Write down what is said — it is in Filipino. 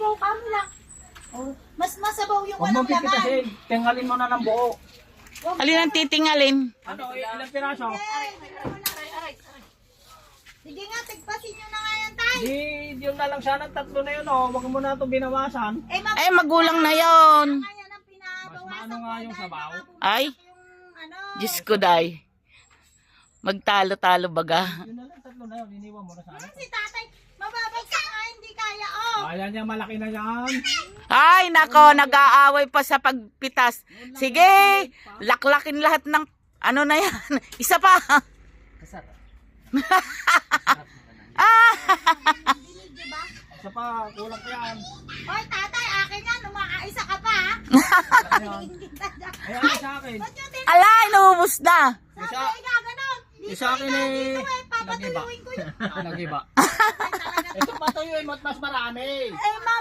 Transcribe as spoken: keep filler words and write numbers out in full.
masabaw ka mo lang. Oh, mas masabaw yung Huwag mo walang laman. pipitasin. Tingalin mo na ng buo. Alin ang titingalin? Ano, ilang piraso? Sige nga, tigpasin nyo na nga yan, tay. Di, yun na lang sana tatlo na yun, oh. Huwag mo na ito binawasan. Eh, mag- Ay, magulang na yon. Kaya nang pinabawasan Mas maano nga yung dahil sabaw? baka bumagsak Ay. yung ano. Diyos ko, day. Magtalo-talo baga. Yun na lang tatlo na yun. Iniwan mo na sana. Si tatay, mababagsak nga, hindi kaya, oh. Ayan yan, malaki na yan. Ay, nako, nag-aaway pa sa pagpitas. Sige, laklakin lahat ng ano na yan. Isa pa. Dinig, diba? Isa pa, kulang pa yan. Hoy, tatay, akin yan, umakaisa ka pa, ha? Ayan. Hindi ka dyan. Ayan, sa akin. Ba't yung tin- Ala, inuubos na. Sabi Isa- ay gaganon. Dito Isa akin ikaw, eh. dito eh, papatuyuin ko yun. Nagiba. Ay, talaga. Ito patuyuin mo at mas marami. Eh, ma,